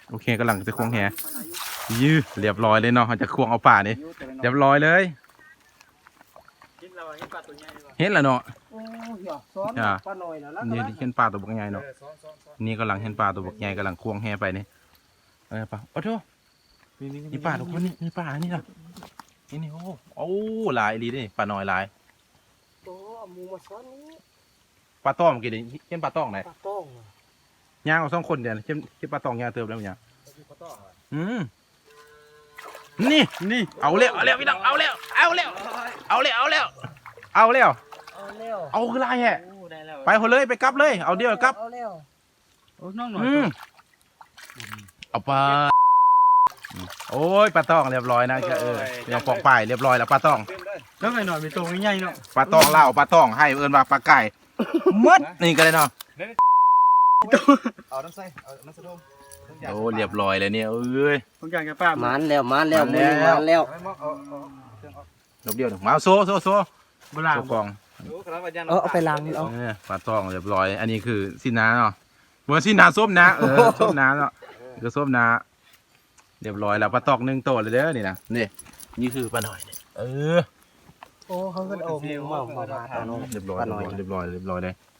โอเคกำลังจะควงแหยื้อเรียบร้อยเลยเนาะเขาจะควงเอาป่านี่เรียบร้อยเลยเห็นแล้วเนาะโอ้ยซ้อนปลาหน่อยนะแล้วนี่เห็นปลาตัวบักใหญ่เนาะนี่กำลังเห็นปลาตัวบักใหญ่กำลังควงแหไปนี่ปลาโอ้โหนี่ปลาทุกคนนี่ปลานี่นะนี่โอ้หลายลีนี่ปลาน้อยหลายโอ้หมูมาซ้อนนี้ปลาต้องกี่เดือนเห็นปลาต้องไหนปลาต้องย่างเอา2 คนเดียวเห็นปลาต้องย่างเติมแล้วเนี่ยนี่เอาแล้วพี่น้องเอาแล้วเอาคือไรแฮะไปคนเลยไปกลับเลยเอาเดียวกลับเอาแล้วโอ้น้องหน่อยเอาปลาโอ้ยปลาต้องเรียบร้อยนะยังปอกป่ายเรียบร้อยแล้วปลาต้องแล้วไงหน่อยมีตัวใหญ่เนาะปลาต้องเล่าปลาต้องให้เอิญว่าปลาไก่มัดนี่ก็เลยเนาะเอาน้ำใส่เอาน้ำสะดมโอ้เรียบร้อยเลยเนี่ยเอ้ยทุกอย่างจะป้ามันแล้วมือมันแล้วรบเดียวมาโซ่โบราณกองเอาไปล้างเอาปลาต้องเรียบร้อยอันนี้คือสินาเนาะเมื่อสินาส้มนะส้มนาเนาะคือส้มนาเรียบร้อยแล้วปลาตอก1 ตัวเลยเด้อนี่นะนี่คือปลาหน่อยโอ้โอ้เขาก็เอามาปลาหน่อยเรียบร้อยเลย